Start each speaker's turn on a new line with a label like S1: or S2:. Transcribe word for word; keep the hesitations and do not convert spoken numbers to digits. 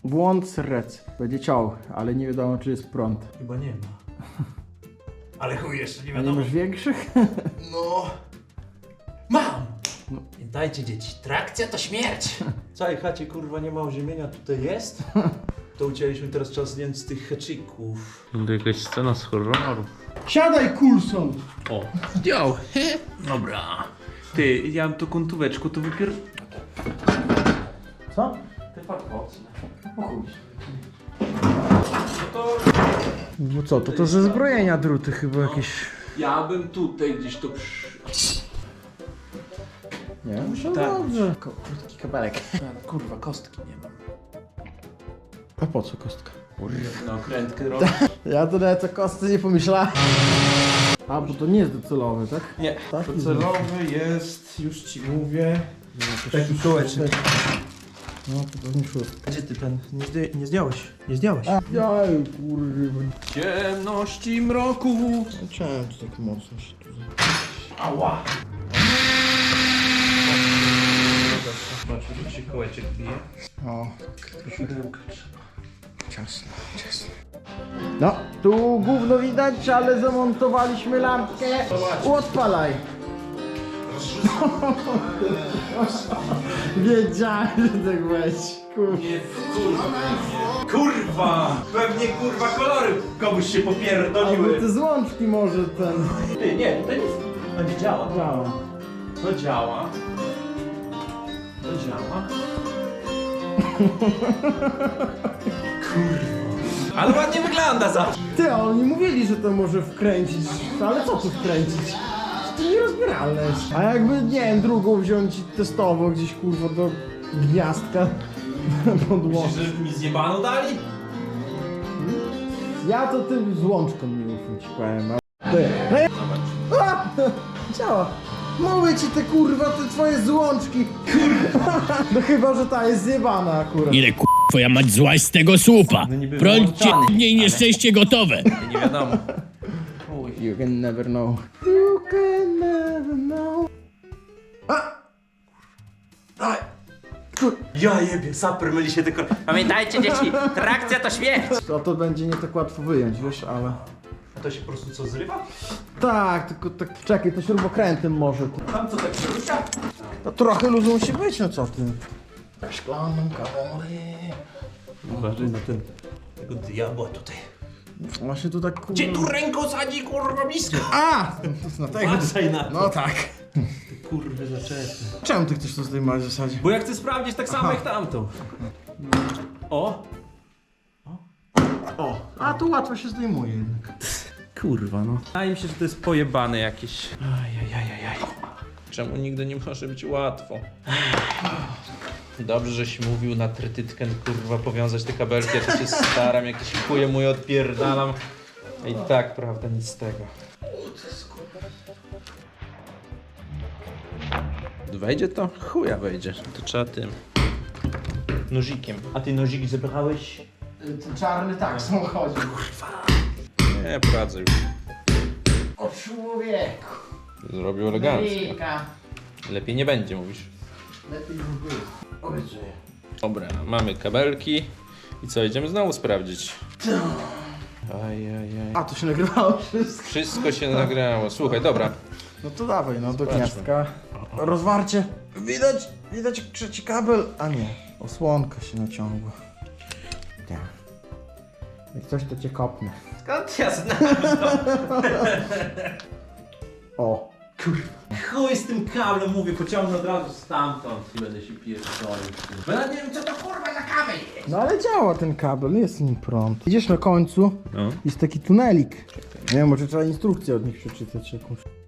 S1: Błąd serec. Będzie ciął, ale nie wiadomo czy jest prąd.
S2: Chyba nie ma. Ale chuj, jeszcze nie
S1: A nie
S2: wiadomo.
S1: masz większych?
S2: No. Mam! Pamiętajcie dzieci, trakcja to śmierć! W całej chacie kurwa nie ma oziemienia, tutaj jest? To ucięliśmy teraz czas zdjąć z tych haczyków.
S3: To jakaś scena z horroru.
S1: Siadaj, Coulson!
S3: O, zdjął. Dobra. Ty, ja mam tu kontóweczku, to wypier...
S1: Co?
S3: Te farfocne.
S1: O chuj.
S3: No to
S1: No co, to to ze zbrojenia druty chyba jakieś...
S3: ja bym tutaj gdzieś to przy...
S1: Nie? No
S3: tak.
S1: dobrze. Ko- krótki kabelek.
S3: Kurwa, kostki nie mam.
S1: A po co kostka?
S3: Na okrętkę robię.
S1: Ja to nawet o kostce nie pomyślałem. A, bo to nie jest docelowy, tak?
S2: Nie,
S1: Tak?
S2: docelowy jest, już ci mówię, taki kołeczek.
S1: No to pewnie szóstka.
S2: Gdzie ty ten? Nie, zdję, nie zdjąłeś? Nie zdjąłeś?
S1: Jaj, kurwa.
S3: Ciemności mroku.
S1: Czemu to tak mocno się tu...
S2: Ała! Zobaczmy, że się kołeczek bije.
S1: O, ciasno, ciasno. No, tu gówno widać, ale zamontowaliśmy lampkę. Odpalaj. Wiedziałem, że tak będzie. Kurwa.
S2: Nie, kurwa. Kurwa! Pewnie kurwa kolory komuś się
S1: Albo
S2: popierdoliły.
S1: te złączki może ten...
S2: Ty, nie, to nic. To nie działa.
S1: Działa.
S2: To działa. To działa. Kurwa. Ale ładnie wygląda za.
S1: Ty, a oni mówili, że to może wkręcić. Ale co tu wkręcić? To nierozbieralne jest. A jakby, nie wiem, drugą wziąć i testowo gdzieś, kurwa, do gniazdka podłożyć.
S2: Myślisz, że mi zjebano dali?
S1: Ja to tym złączkom nie ufam, ci powiem. a- Ty. Hej! A! Działa. Mówię ci te kurwa, te twoje złączki. Kurwa. No chyba, że ta jest zjebana akurat.
S4: Ile k*** twoja mać złaś z tego słupa?
S2: No niby
S4: Prąd cię
S2: wyłączony,
S4: i nieszczęście gotowe.
S2: Nie wiadomo.
S1: You can never know. You can never know. A! Daj. Kur...
S2: Ja jebie, saper myli się tylko. Pamiętajcie dzieci, trakcja to śmierć!
S1: A to będzie nie tak łatwo wyjąć, wiesz, ale...
S2: A to się po prostu co zrywa?
S1: Tak, tylko tak, czekaj, to śrubokrętem może.
S2: Tam co tak przerusza?
S1: To trochę luzu musi być, no co ty? Szklaną kawą.
S2: Uważaj na ten, tego diabła tutaj.
S1: Właśnie tu tak kurwa...
S2: Gdzie tu ręką sadzi kurwa blisko?
S1: A! No tego...
S2: Uważaj na to.
S1: No tak.
S2: Ty kurwy zaczepy.
S1: Czemu ty chcesz to zdejmować w zasadzie?
S2: Bo ja chcę sprawdzić tak samo
S1: Aha.
S2: jak tamtą. O!
S1: O! A tu łatwo się zdejmuje jednak.
S2: Kurwa no. Wydaje mi się, że to jest pojebane jakieś. Ajajajajaj. Czemu nigdy nie może być łatwo? Dobrze, żeś mówił na trytytkę, kurwa, powiązać te kabelki, ja to się staram, jakieś chuje mój odpierdalam. I tak, prawda, nic z tego. Wejdzie to? Chuja wejdzie. To trzeba tym nozikiem. A ty nozik zebrałeś?
S1: Ten czarny tak, w samochodzie.
S2: Nie, pracę już.
S1: O człowieku.
S2: Zrobił elegancko.
S1: Rika.
S2: Lepiej nie będzie, mówisz.
S1: Lepiej już było. Obiecuję.
S2: Dobra, mamy kabelki. I co, idziemy znowu sprawdzić. Ajajaj.
S1: A, to się nagrywało wszystko.
S2: Wszystko się nagrało. Słuchaj, dobra.
S1: No to dawaj, no do
S2: Zobaczmy.
S1: gniazdka. Rozwarcie. Widać, widać trzeci kabel. A nie, osłonka się naciągła. Tak. Jak coś to cię kopnę.
S2: Skąd ja znam?
S1: O.
S2: Chuj z tym kablem, mówię, pociągnę od razu stamtąd i będę się pierdolił. Bo ja nie wiem, co to kurwa za kabel jest.
S1: No ale działa ten kabel, jest nim prąd. Idziesz na końcu,
S2: No.
S1: jest taki tunelik. Nie wiem, może trzeba instrukcję od nich przeczytać jakąś.